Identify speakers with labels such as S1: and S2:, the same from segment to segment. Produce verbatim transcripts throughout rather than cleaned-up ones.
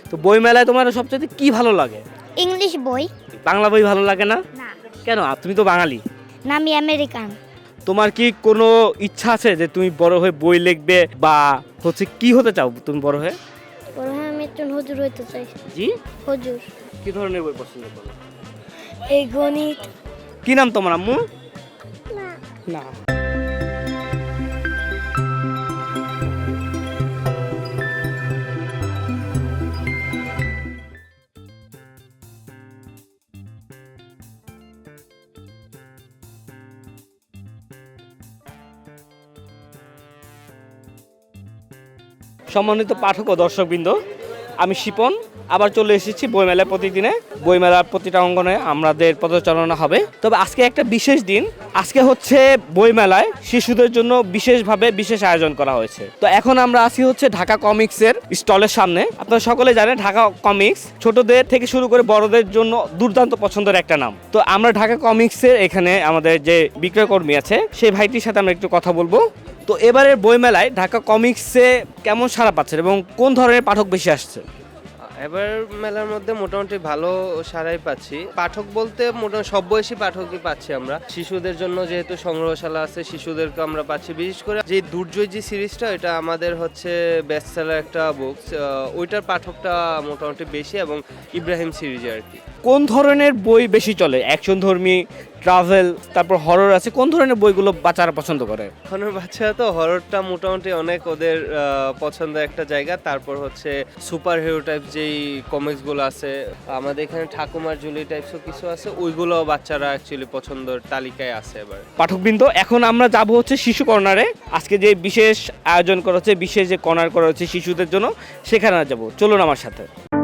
S1: তো বই মেলায় তোমার সবচেয়ে কি ভালো লাগে?
S2: ইংলিশ বই।
S1: বাংলা বই ভালো লাগে না?
S2: না।
S1: কেন? তুমি তো বাঙালি।
S2: না, আমি আমেরিকান।
S1: তোমার কি কোনো ইচ্ছা আছে যে তুমি বড় হয়ে বই লিখবে বা হচ্ছে কি হতে চাও তুমি বড় হয়ে?
S2: বড় হয়ে আমি একজন হুজুর হইতে চাই।
S1: জি?
S2: হুজুর।
S1: কি ধরনের বই পছন্দ করো?
S2: এই গণিত।
S1: কি নাম তোমার আম্মু?
S2: না।
S1: না। সম্মানিত পাঠক ও দর্শকবৃন্দ, আমি শিপন আবার চলে এসেছি বইমেলায়। প্রতিদিনে বইমেলার প্রতিটা অঙ্গনে আমাদের পদচারণা হবে। তবে আজকে একটা বিশেষ দিন। আজকে হচ্ছে বইমেলায় শিশুদের জন্য বিশেষভাবে বিশেষ আয়োজন করা হয়েছে। তো এখন আমরা আছি হচ্ছে ঢাকা কমিক্সের স্টলের সামনে। আপনারা সকলে জানেন ঢাকা কমিক্স ছোটদের থেকে শুরু করে বড়দের জন্য দুর্দান্ত পছন্দের একটা নাম। তো আমরা ঢাকা কমিক্সের এখানে আমাদের যে বিক্রয় কর্মী আছে সেই ভাইটির সাথে আমরা একটু কথা বলবো। তো এবারের বইমেলায় ঢাকা কমিক্সে কেমন সাড়া পাচ্ছেন এবং কোন ধরনের পাঠক বেশি আসছে?
S3: এবার মেলার মধ্যে মোটামুটি ভালো সারাই পাচ্ছি। পাঠক বলতে মোটামুটি সব বয়সী পাঠকই পাচ্ছি আমরা। শিশুদের জন্য যেহেতু সংগ্রহশালা আছে, শিশুদেরকে আমরা পাচ্ছি। বিশেষ করে যে দুর্জয় যে সিরিজটা, এটা আমাদের হচ্ছে বেস্ট সেলার একটা বুকস, ওইটার পাঠকটা মোটামুটি বেশি, এবং ইব্রাহিম সিরিজে আর কি।
S1: কোন ধরনের বই বেশি চলে? অ্যাকশন ধর্মী, ট্রাভেল, তারপর হরর আছে। কোন ধরনের বইগুলো বাচ্চারা পছন্দ করে?
S3: এখনের বাচ্চারা তো হররটা মোটামুটি অনেক ওদের পছন্দের একটা জায়গা। তারপর হচ্ছে সুপার হিরো টাইপ যেই কমিক্সগুলো আছে, আমাদের এখানে ঠাকুমার জুলি টাইপসও কিছু আছে, ওইগুলো বাচ্চারা অ্যাকচুয়ালি পছন্দের তালিকায় আছে। এবার
S1: পাঠকবৃন্দ, এখন আমরা যাব হচ্ছে শিশু কর্নারে। আজকে যে বিশেষ আয়োজন করা হচ্ছে, বিশেষ যে কর্নার করা হচ্ছে শিশুদের জন্য, সেখানে যাব। চলুন আমার সাথে।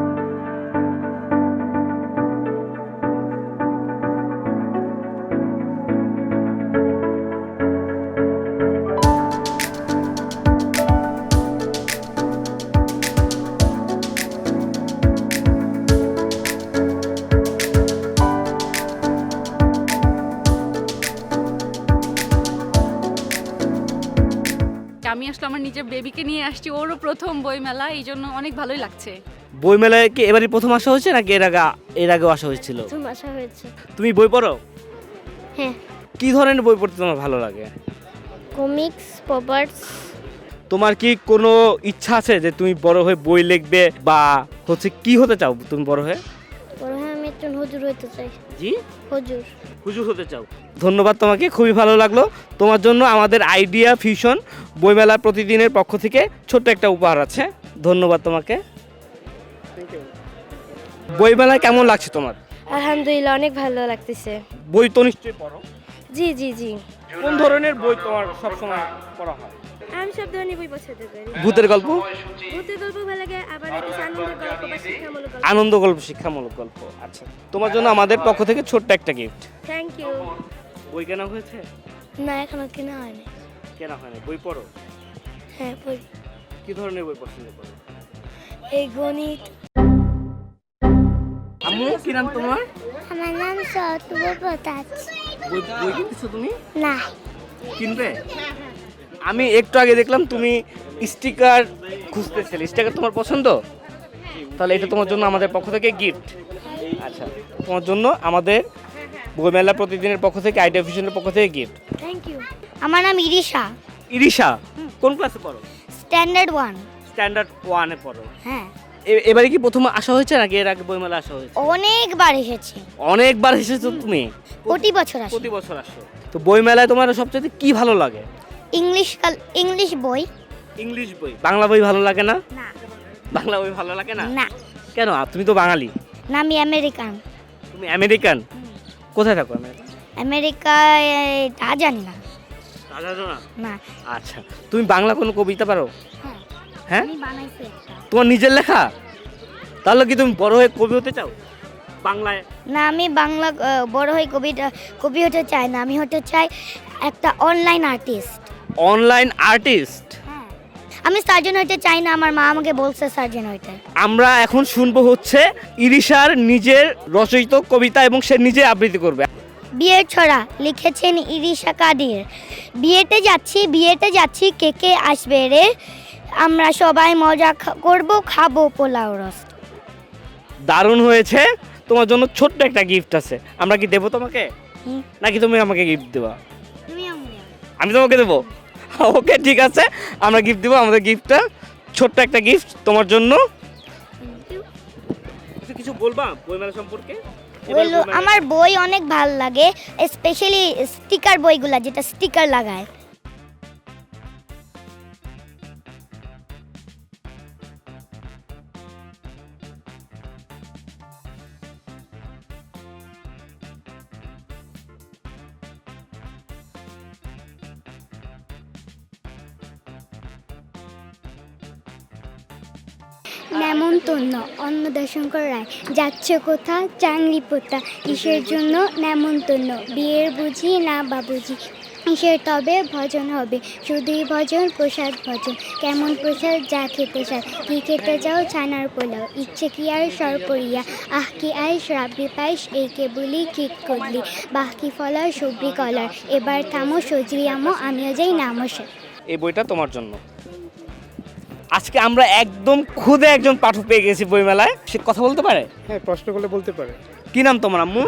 S4: আমি আসলে আমার নিজের বেবিকে নিয়ে আসছি, ওরও প্রথম বইমেলা, এই জন্য অনেক ভালোই লাগছে।
S1: বইমেলায় কি এবারই প্রথম আসা হয়েছে নাকি এর আগে এর আগেও আসা হয়েছিল?
S2: প্রথম আসা হয়েছে।
S1: তুমি বই পড়ো?
S2: হ্যাঁ।
S1: কি ধরনের বই পড়তে তোমার ভালো লাগে?
S2: কমিক্স, পপার্স।
S1: তোমার কি কোনো ইচ্ছা আছে যে তুমি বড় হয়ে বই লিখবে বা হচ্ছে কি হতে চাও তুমি বড় হয়ে?
S2: বড় হয়ে আমি একজন হুজুর হইতে চাই।
S1: জি?
S2: হুজুর।
S1: হুজুর হতে চাও। ধন্যবাদ তোমাকে, খুবই ভালো লাগলো। তোমার জন্য আমাদের আইডিয়া ফিউশন বইমেলা প্রতিদিনের পক্ষ থেকে ছোট্ট একটা উপহার আছে। ধন্যবাদ তোমাকে। বইমেলায় কেমন লাগছে তোমার?
S2: আলহামদুলিল্লাহ, অনেক ভালো লাগতেছে।
S1: বই তো নিশ্চয়ই পড়ো।
S2: জি জি জি।
S1: কোন ধরনের বই তোমার সবসময় পড়া হয়?
S2: আমি সব ধরনের বই পছন্দ করি।
S1: ভূতের গল্প?
S2: ভূতের গল্প ভালো লাগে, আবার হচ্ছে আনন্দের গল্প বা শিক্ষামূলক গল্প।
S1: আনন্দ গল্প, শিক্ষামূলক গল্প। আচ্ছা, তোমার জন্য আমাদের পক্ষ থেকে ছোট্ট একটা গিফট।
S2: Thank you.
S1: বই কেনা হয়েছে?
S2: না, এখনো কেনা হয়নি।
S1: কেনা হয়নি। বই পড়ো?
S2: হ্যাঁ, পড়ি।
S1: কি ধরনের বই পছন্দ করো?
S2: এই গণিত।
S1: আম্মু, কি নাম তোমার?
S2: আমার নাম সতুবা পতাচ।
S1: বই বই কিনছো তুমি?
S2: না।
S1: কিনবে? আমি একটু আগে দেখলাম তুমি স্টিকার খুঁজতেছিলে। স্টিকার তোমার পছন্দ? তাহলে এটা তোমার জন্য আমাদের পক্ষ থেকে গিফট। আচ্ছা, তোমার জন্য আমাদের বইমেলা প্রতিদিনের পক্ষ থেকে, আইডিয়া ভিশনের পক্ষ থেকে গিফট।
S2: Thank you. আমার নাম ইরিশা।
S1: ইরিশা, কোন ক্লাসে পড়ো?
S2: Standard one.
S1: স্ট্যান্ডার্ড ওয়ানে পড়ো।
S2: হ্যাঁ।
S1: এ- এবারে কি প্রথম আসা হয়েছে নাকি এর আগে বইমেলা আসা হয়েছে?
S2: অনেকবার এসেছি।
S1: অনেকবার এসেছো তুমি?
S2: প্রতি বছর আসি।
S1: প্রতি বছর আসো। তো বইমেলায় তোমার সবচেয়ে কি ভালো লাগে?
S2: ইংলিশ কাল ইংলিশ বই।
S1: ইংলিশ বই। বাংলা বই ভালো লাগে না?
S2: না।
S1: বাংলা বই ভালো লাগে না?
S2: না।
S1: কেন? তুমি তো বাঙালি।
S2: না, আমি আমেরিকান।
S1: তুমি আমেরিকান? কোথায় থাকো আমেরিকা?
S2: আমেরিকায় তা জানি না।
S1: তা জানো না?
S2: না।
S1: আচ্ছা, তুমি বাংলা কোনো কবিতা পারো?
S2: হ্যাঁ।
S1: হ্যাঁ?
S2: আমি বানাইছি একটা।
S1: তোমার নিজের লেখা? তাহলে কি তুমি বড় হয়ে কবি হতে চাও বাংলায়?
S2: না, আমি বাংলা আহ, বড় হয়ে কবিতা কবি হতে চাই না, আমি হতে চাই একটা অনলাইন আর্টিস্ট।
S1: Online artist?
S2: হ্যাঁ। আমি সার্জন হতে চাই না, আমার মা আমাকে বলছে সার্জন হইতে।
S1: আমরা এখন শুনবো হচ্ছে ইরিশার নিজের রচিত কবিতা এবং সে নিজে আবৃত্তি করবে।
S2: বিয়ের ছড়া লিখেছেন ইরিশা কাদির। বিয়েতে যাচ্ছি বিয়েতে যাচ্ছি কে কে আসবে রে, আমরা সবাই মজা খা- করব, খাবো পোলাও রস।
S1: দারুণ হয়েছে। তোমার জন্য ছোট্ট একটা গিফট আছে, আমরা কি দেবো তোমাকে
S2: হুম।
S1: নাকি তুমি আমাকে গিফট দেবা?
S2: তুমি আমি
S1: আমি তোমাকে দেবো? ওকে ঠিক আছে, আমরা গিফট দেবো। আমাদের গিফটটা ছোট্ট একটা গিফট তোমার জন্য। কিছু কিছু বলবা বইমেলা সম্পর্কে? এবার
S2: বললো
S1: বইমেলা-
S2: আমার বই অনেক ভাল লাগে, স্পেশালি স্টিকার বইগুলা যেটা স্টিকার লাগায়। নেমন্তন্ন অন্নদাশঙ্কর রায় যাচ্ছে কোথা চাংরি পোতা কিসের জন্য নেমন্তন্ন বিয়ের বুঝি না বাবুজি কিসের তবে ভজন হবে শুধুই ভজন প্রসাদ ভজন কেমন প্রসাদ যা খেতে চায় কি খেতে যাও ছানার পোলাও ইচ্ছে কি আর সরপরিয়া আহ কি আইস রাব্বি পাইস এই কে বলি ঠিক করলি বাহ কি ফলার সবরি কলার এবার থামো সজরি আমো আমিও যাই নামসে।
S1: এই বইটা তোমার জন্য। আজকে আমরা একদম খুদে একজন পাঠক পেয়ে গেছি বইমেলায়। সে কথা বলতে পারে?
S5: হ্যাঁ, প্রশ্ন করলে বলতে পারে।
S1: কি নাম তোমার আম্মু?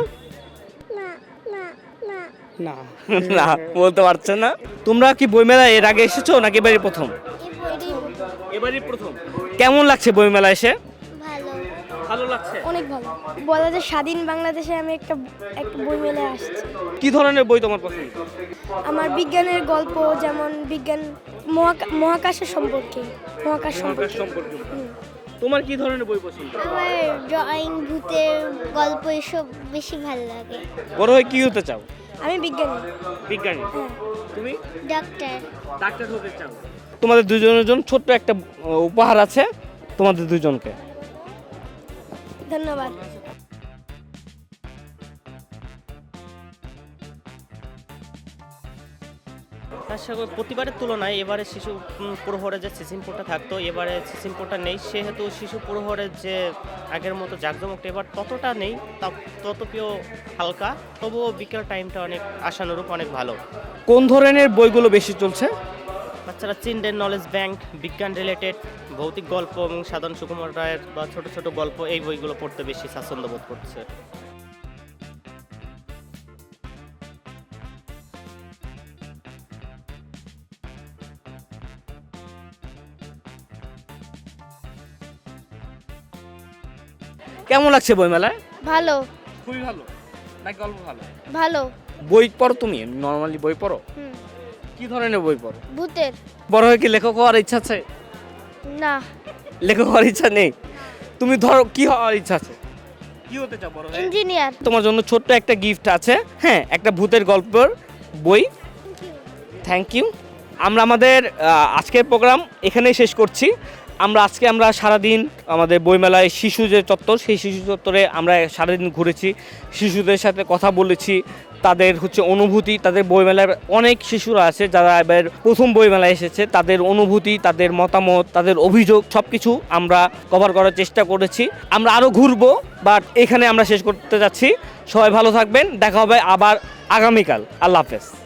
S5: না,
S1: না বলতে পারছে না। তোমরা কি বইমেলায় এর আগে এসেছো নাকি এবারই প্রথম? এবারই প্রথম। কেমন লাগছে বইমেলা এসে?
S2: ভালো,
S1: ভালো লাগছে।
S6: অনেক ভালো। বলা যায় স্বাধীন বাংলাদেশে আমি একটা একটা বই মেলে আসছি।
S1: কি ধরনের বই তোমার পছন্দ?
S6: আমার বিজ্ঞানের গল্প, যেমন বিজ্ঞান মহাকা- মহাকাশের সম্পর্কে মহাকাশ সম্পর্কে
S1: সম্পর্কে।
S6: হুম।
S1: তোমার কি ধরনের বই পছন্দ?
S2: আমার ড্রয়িং ভূতের গল্প এসব বেশি ভালো লাগে।
S1: বড় হয়ে কি হতে চাও?
S6: আমি বিজ্ঞানী।
S1: বিজ্ঞানী।
S6: হ্যাঁ।
S1: তুমি
S2: ডাক্তার।
S1: ডাক্তার হতে চাও? তোমাদের দুজনের জন্য ছোট্ট একটা আহ, উপহার আছে তোমাদের দুজনকে।
S6: ধন্যবাদ।
S7: তার সঙ্গে প্রতিবারের তুলনায় এবারে শিশু উম, প্রহরে যে সিসিমপুরটা থাকতো, এবারে সিসিমপুরটা নেই, সেহেতু শিশু প্রহরের যে আগের মতো জাঁকজমকটা এবার ততটা নেই, তা- ততপিও হালকা, তবুও বিকেল টাইমটা অনেক আশানুরূপ, অনেক ভালো।
S1: কোন ধরনের বইগুলো বেশি চলছে?
S7: বাচ্চারা চিলড্রেন নলেজ ব্যাংক, বিজ্ঞান রিলেটেড, ভৌতিক গল্প এবং সাধারণ সুকুমার রায়ের বা ছোট ছোট গল্প, এই বইগুলো পড়তে বেশি স্বাচ্ছন্দ্য বোধ করছে।
S1: কেমন লাগছে বইমেলায়?
S6: ভালো
S1: খুবই ভালো নাকি অল্প ভালো?
S6: ভালো।
S1: বই পড়ো তুমি? নর্মালি বই পড়ো?
S6: হুম।
S1: কি ধরনের বই পড়ো?
S6: ভূতের।
S1: বড় হয়ে কি লেখক হওয়ার ইচ্ছা আছে?
S6: না,
S1: লেখক হওয়ার ইচ্ছা নেই? তুমি ধরো কি হওয়ার ইচ্ছা আছে? কি হতে চাও বড় হয়ে?
S6: ইঞ্জিনিয়ার।
S1: তোমার জন্য ছোট্ট একটা গিফট আছে, হ্যাঁ, একটা ভূতের গল্পের বই। Thank you. আমরা আমাদের আহ, আজকের প্রোগ্রাম এখানেই শেষ করছি। আমরা আজকে আমরা সারাদিন আমাদের বইমেলায় শিশু যে চত্বর, সেই শিশু চত্বরে আমরা সারাদিন ঘুরেছি, শিশুদের সাথে কথা বলেছি, তাদের হচ্ছে অনুভূতি, তাদের বইমেলার অনেক শিশুরা আছে যারা এবার প্রথম বইমেলায় এসেছে, তাদের অনুভূতি, তাদের মতামত, তাদের অভিযোগ সব কিছু আমরা কভার করার চেষ্টা করেছি। আমরা আরও ঘুরবো, বাট এখানে আমরা শেষ করতে যাচ্ছি। সবাই ভালো থাকবেন, দেখা হবে আবার আগামীকাল। আল্লাহ হাফেজ।